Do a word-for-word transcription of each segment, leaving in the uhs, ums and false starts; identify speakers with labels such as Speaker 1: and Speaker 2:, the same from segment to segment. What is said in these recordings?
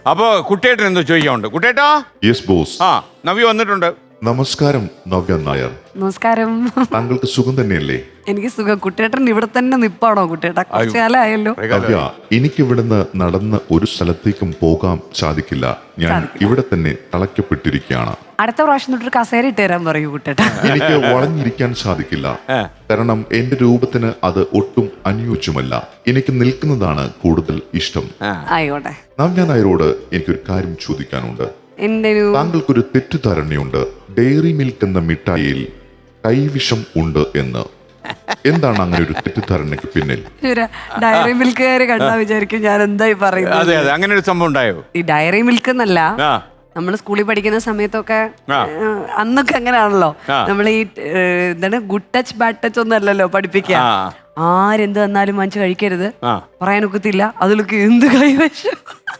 Speaker 1: അപ്പൊ കുട്ടേട്ടൻ എന്തോ ചോദിക്കാനുണ്ട്. കുട്ടേട്ടാ.
Speaker 2: Yes boss.
Speaker 1: ആ നവ്യ വന്നിട്ടുണ്ട്.
Speaker 2: നമസ്കാരം നവ്യ നായർ.
Speaker 3: നമസ്കാരം.
Speaker 2: താങ്കൾക്ക് സുഖം തന്നെയല്ലേ?
Speaker 3: എനിക്ക് സുഖം. കുട്ടേട്ടൻ ഇവിടെ തന്നെ നിപ്പാണോ കുട്ടേട്ടാ? കുറച്ചു കാലമായല്ലോ.
Speaker 2: നവ്യ, എനിക്ക് ഇവിടുന്ന് നടന്ന് ഒരു സ്ഥലത്തേക്കും പോകാൻ സാധിക്കില്ല. ഞാൻ ഇവിടെ തന്നെ തളയ്ക്കപ്പെട്ടിരിക്കുകയാണ്.
Speaker 3: അടുത്ത പ്രാവശ്യം തൊട്ടൊരു കസേര ഇട്ട് തരാൻ പറയൂ കുട്ടേട്ടാ.
Speaker 2: എനിക്ക് വളഞ്ഞിരിക്കാൻ സാധിക്കില്ല, കാരണം എന്റെ രൂപത്തിന് അത് ഒട്ടും അനുയോജ്യമല്ല. എനിക്ക് നിൽക്കുന്നതാണ് കൂടുതൽ ഇഷ്ടം.
Speaker 3: ആയിക്കോട്ടെ.
Speaker 2: നവ്യ നായരോട് എനിക്കൊരു കാര്യം ചോദിക്കാനുണ്ട്. താങ്കൾക്കൊരു തെറ്റിദ്ധാരണയുണ്ട്, ഡയറി മിൽക്ക് എന്ന മിഠായിയിൽ കൈവിഷം ഉണ്ട് എന്ന്. എന്താണ് അങ്ങനെ ഒരു തെറ്റിദ്ധാരണയ്ക്ക് പിന്നിൽ?
Speaker 3: ഡയറി മിൽക്കുകാര് കണ്ടാ വിചാരിക്കും ഞാൻ എന്തായി പറയുന്നത്.
Speaker 1: അതെ അതെ, അങ്ങനെ ഒരു സംഭവം ഉണ്ടായോ?
Speaker 3: ഈ ഡയറി മിൽക്ക് എന്നല്ല, നമ്മൾ സ്കൂളിൽ പഠിക്കുന്ന സമയത്തൊക്കെ അന്നൊക്കെ അങ്ങനെയാണല്ലോ. നമ്മൾ ഈ എന്താണ് ഗുഡ് ടച്ച് ബാഡ് ടച്ച് ഒന്നും അല്ലല്ലോ പഠിപ്പിക്കുക. ആരെന്ത് വന്നാലും മനസ്സ് കഴിക്കരുത്, പറയാനൊക്കത്തില്ല, അതിലൊക്കെ എന്ത് കൈവശം.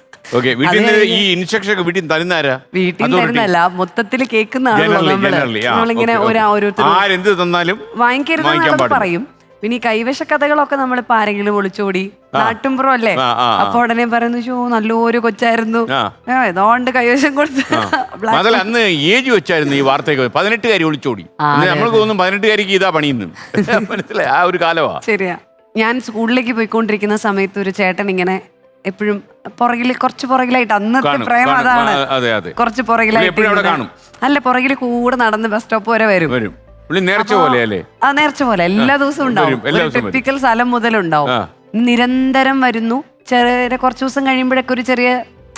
Speaker 1: ഈ ഇൻസ്ട്രക്ഷൻ വീട്ടിൽ തരുന്നാരാ?
Speaker 3: വീട്ടിൽ തരുന്നല്ല, മൊത്തത്തിൽ കേൾക്കുന്നതാണല്ലോ നമ്മളിങ്ങനെ
Speaker 1: ആരെന്ത് തന്നാലും
Speaker 3: വാങ്ങിക്കരുത് പറയും. പിന്നെ ഈ കൈവശ കഥകളൊക്കെ നമ്മളിപ്പോ ആരെങ്കിലും ഒളിച്ചോടി നാട്ടുംപുറം അല്ലേ, അപ്പൊ ഉടനെ പറയുന്നു ഷോ നല്ലൊരു കൊച്ചായിരുന്നു, ഏതോണ്ട് കൈവശം കൊടുത്ത്.
Speaker 1: അന്ന് ഏജ് വെച്ചായിരുന്നു ഈ വാർത്തയൊക്കെ. പതിനെട്ടുകാരി ഒളിച്ചോടി, നമ്മൾക്ക് തോന്നും പതിനെട്ടുകാരിക്ക് ഇതാ പണിയുന്നു. മനസ്സിലായി, ആ ഒരു കാലമാ.
Speaker 3: ശരിയാ. ഞാൻ സ്കൂളിലേക്ക് പോയിക്കൊണ്ടിരിക്കുന്ന സമയത്ത് ഒരു ചേട്ടൻ ഇങ്ങനെ എപ്പോഴും പുറകില് കുറച്ച് പുറകിലായിട്ട്, അന്നത്തെ പ്രേമം അതാണ്, കുറച്ച് പുറകിലായിട്ട് അല്ല പുറകില് കൂടെ നടന്ന് ബസ് സ്റ്റോപ്പ് വരെ വരും.
Speaker 1: നേർച്ച പോലെ ആ
Speaker 3: നേർച്ച പോലെ എല്ലാ ദിവസവും ഉണ്ടാവും. ടിപ്പിക്കൽ സ്ഥലം മുതലുണ്ടാവും. നിരന്തരം വരുന്നു. ചെറിയ കുറച്ചു ദിവസം കഴിയുമ്പോഴൊക്കെ ഒരു ചെറിയ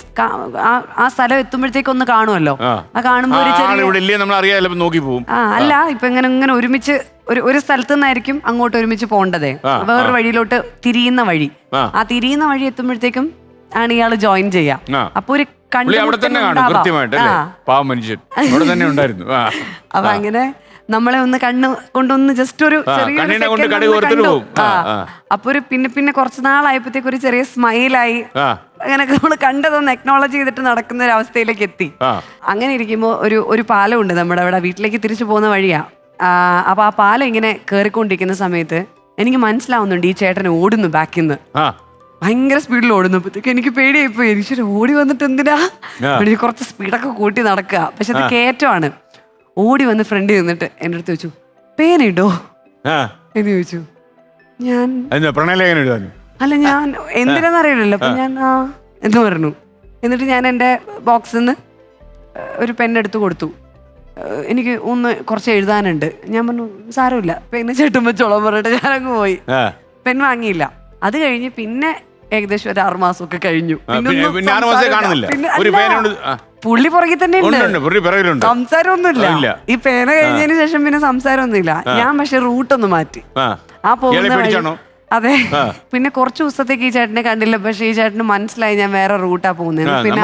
Speaker 3: ആ സ്ഥലം എത്തുമ്പോഴത്തേക്ക് ഒന്ന് കാണുമല്ലോ. ആ കാണുമ്പോ ഒരു ചെറിയ ആ അല്ല ഇപ്പൊ ഇങ്ങനെ ഇങ്ങനെ ഒരുമിച്ച് ഒരു ഒരു സ്ഥലത്തു നിന്നായിരിക്കും അങ്ങോട്ട് ഒരുമിച്ച് പോകേണ്ടതേ, വേറൊരു വഴിയിലോട്ട് തിരിയുന്ന വഴി. ആ തിരിയുന്ന വഴി എത്തുമ്പോഴത്തേക്കും ആണ് ഇയാള് ജോയിൻ ചെയ്യാ. അപ്പൊ ഒരു അപ്പൊ അങ്ങനെ നമ്മളെ ഒന്ന് കണ്ണ് കൊണ്ടൊന്ന് ജസ്റ്റ് ഒരു അപ്പൊ ഒരു പിന്നെ പിന്നെ കുറച്ച് നാളായപ്പോഴത്തേക്ക് ഒരു ചെറിയ സ്മൈലായി. അങ്ങനെ നമ്മള് കണ്ടതൊന്ന് എക്നോളജ് ചെയ്തിട്ട് നടക്കുന്ന ഒരു അവസ്ഥയിലേക്ക് എത്തി. അങ്ങനെ ഇരിക്കുമ്പോ ഒരു ഒരു പാലം ഉണ്ട് നമ്മുടെ അവിടെ, വീട്ടിലേക്ക് തിരിച്ചു പോകുന്ന വഴിയാ. അപ്പൊ ആ പാലം ഇങ്ങനെ കേറിക്കൊണ്ടിരിക്കുന്ന സമയത്ത് എനിക്ക് മനസ്സിലാവുന്നുണ്ട് ഈ ചേട്ടൻ ഓടുന്നു ബാക്കിൽ നിന്ന്, ഭയങ്കര സ്പീഡിൽ ഓടുന്നപ്പോഴത്തേക്ക് എനിക്ക് പേടിയായിപ്പോയി. എനിക്ക് ഓടി വന്നിട്ട് എന്തിനാ, കുറച്ച് സ്പീഡൊക്കെ കൂട്ടി നടക്കുക. പക്ഷെ അത് കയറ്റമാണ്. ഓടി വന്ന് ഫ്രണ്ടിൽ നിന്നിട്ട് എൻ്റെ അടുത്ത് ചോദിച്ചു പേനിടോ എന്ന് ചോദിച്ചു. ഞാൻ അല്ല ഞാൻ എന്തിനാന്ന് അറിയില്ലല്ലോ. അപ്പൊ ഞാൻ ആ എന്ന് പറഞ്ഞു. എന്നിട്ട് ഞാൻ എൻ്റെ ബോക്സിൽ നിന്ന് ഒരു പെണ്ണെടുത്ത് കൊടുത്തു. എനിക്ക് ഒന്ന് കുറച്ച് എഴുതാനുണ്ട്. ഞാൻ പറഞ്ഞു സാരമില്ല പെണ്ണ് ചേട്ടും വെച്ചോളാൻ പറഞ്ഞിട്ട് ഞാനങ്ങ് പോയി. പെൻ വാങ്ങിയില്ല. അത് കഴിഞ്ഞ് പിന്നെ ഏകദേശം ഒരു ആറു മാസമൊക്കെ കഴിഞ്ഞു. പുള്ളി പുറകിൽ തന്നെ ഉണ്ട്, സംസാരമൊന്നുമില്ല. ഈ പേന കഴിഞ്ഞതിന് ശേഷം പിന്നെ സംസാരമൊന്നുമില്ല. ഞാൻ പക്ഷെ റൂട്ടൊന്ന് മാറ്റി. ആ പോകുന്ന അതെ. പിന്നെ കുറച്ച് ദിവസത്തേക്ക് ഈ ചേട്ടനെ കണ്ടില്ല. പക്ഷെ ഈ ചേട്ടന് മനസ്സിലായി ഞാൻ വേറെ റൂട്ടാ പോകുന്നത്. പിന്നെ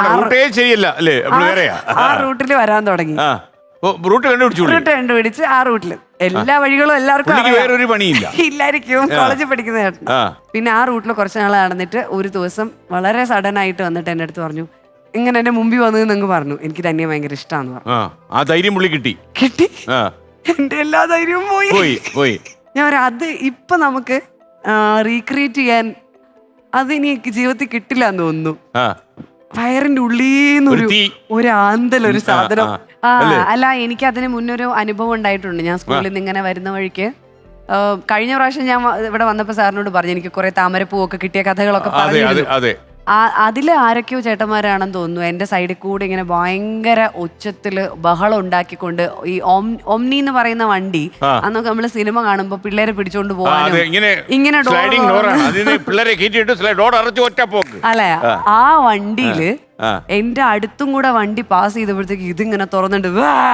Speaker 3: ആ റൂട്ടിൽ വരാൻ തുടങ്ങി. റൂട്ട് കണ്ടുപിടിച്ച് ആ റൂട്ടില് എല്ലാ വഴികളും എല്ലാവർക്കും ഇല്ലായിരിക്കും, കോളേജിൽ പഠിക്കുന്ന ചേട്ടൻ. പിന്നെ ആ റൂട്ടിൽ കുറച്ച് നാൾ നടന്നിട്ട് ഒരു ദിവസം വളരെ സഡൻ ആയിട്ട് വന്നിട്ട് എന്റെ അടുത്ത് പറഞ്ഞു, ഇങ്ങനെ എന്റെ മുമ്പിൽ വന്നതെന്ന് പറഞ്ഞു. എനിക്ക് തന്നെ ഭയങ്കര ഇഷ്ടമാന്ന് പറഞ്ഞു. കിട്ടി കിട്ടി എന്റെ എല്ലാ ധൈര്യവും പോയി. ഞാൻ അത് ഇപ്പൊ നമുക്ക് റീക്രിയേറ്റ് ചെയ്യാൻ അത് ഇനി ജീവിതത്തിൽ കിട്ടില്ല എന്ന് തോന്നുന്നു. വയറിന്റെ ഉള്ളീന്ന് ഒരു ഒരു ആന്തൽ ഒരു സാധനം. ആ അല്ല എനിക്ക് അതിന് മുന്നൊരു അനുഭവം ഉണ്ടായിട്ടുണ്ട്. ഞാൻ സ്കൂളിൽ നിന്ന് ഇങ്ങനെ വരുന്ന വഴിക്ക് കഴിഞ്ഞ പ്രാവശ്യം ഞാൻ ഇവിടെ വന്നപ്പോ സാറിനോട് പറഞ്ഞു എനിക്ക് കുറെ താമരപ്പൂവൊക്കെ കിട്ടിയ കഥകളൊക്കെ പറഞ്ഞു. അതില് ആരൊക്കെയോ ചേട്ടന്മാരാണെന്ന് തോന്നുന്നു എന്റെ സൈഡിൽ കൂടെ ഇങ്ങനെ ഭയങ്കര ഉച്ചത്തില് ബഹളം ഉണ്ടാക്കിക്കൊണ്ട് ഈ ഒമ്നി എന്ന് പറയുന്ന വണ്ടി അന്നൊക്കെ നമ്മള് സിനിമ കാണുമ്പോ പിള്ളേരെ പിടിച്ചോണ്ട് പോകാനും ഇങ്ങനെ അല്ലെ ആ വണ്ടിയില് എന്റെ അടുത്തും കൂടെ വണ്ടി പാസ് ചെയ്തപ്പോഴത്തേക്ക് ഇതിങ്ങനെ തുറന്നിട്ട്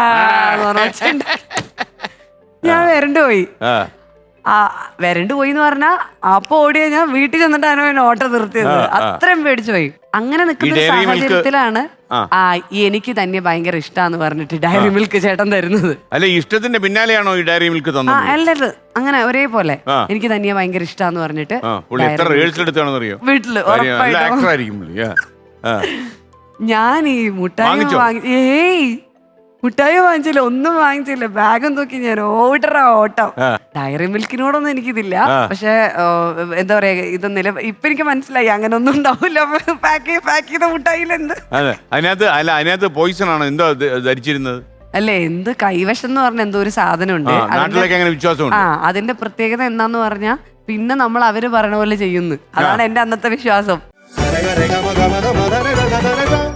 Speaker 3: ഞാൻ വരണ്ടു പോയി. ആ വരണ്ടു പോയി എന്ന് പറഞ്ഞാ അപ്പൊ ഓടിയ ഞാൻ വീട്ടിൽ ചെന്നിട്ടാണ് അവൻ ഓട്ടോ നിർത്തിയത്. അത്രയും പേടിച്ചു പോയി. അങ്ങനെ നിൽക്കുന്ന സാഹചര്യത്തിലാണ് ആ എനിക്ക് തന്നെ ഭയങ്കര ഇഷ്ടാന്ന് പറഞ്ഞിട്ട് ഡയറി മിൽക്ക് ചേട്ടൻ തരുന്നത്.
Speaker 1: അല്ല ഇഷ്ടത്തിന്റെ പിന്നാലെയാണോ ഈ ഡയറി മിൽക്ക് തന്നത്?
Speaker 3: അല്ലത് അങ്ങനെ ഒരേപോലെ എനിക്ക് തന്നെ ഭയങ്കര ഇഷ്ടാന്ന് പറഞ്ഞിട്ട് വീട്ടില് ഞാൻ ഈ മുട്ടായി വാങ്ങി ഏയ് മിഠായി വാങ്ങിച്ചില്ല, ഒന്നും വാങ്ങിച്ചില്ല. ബാഗും തൂക്കി ഞാൻ ഓടറ ഓട്ടം. ഡയറി മിൽക്കിനോടൊന്നും എനിക്കിതില്ല, പക്ഷെ എന്താ പറയാ, ഇത് നില ഇപ്പൊ എനിക്ക് മനസ്സിലായി അങ്ങനെ ഒന്നും ഉണ്ടാവില്ല. പാക്ക് പാക്ക് ചെയ്ത മിഠായിയിൽ എന്ത്
Speaker 1: അതിനകത്ത് അല്ല അതിനകത്ത് പോയിസൺ ആണ് എന്തോ ധരിച്ചിരുന്നത്
Speaker 3: അല്ലേ? എന്ത് കൈവശം എന്ന് പറഞ്ഞ എന്തോ ഒരു സാധനം ഉണ്ട്. ആ, അതിന്റെ പ്രത്യേകത എന്താന്ന് പറഞ്ഞാ പിന്നെ നമ്മൾ അവര് പറയണ പോലെ ചെയ്യുന്നു. അതാണ് എന്റെ അന്നത്തെ വിശ്വാസം.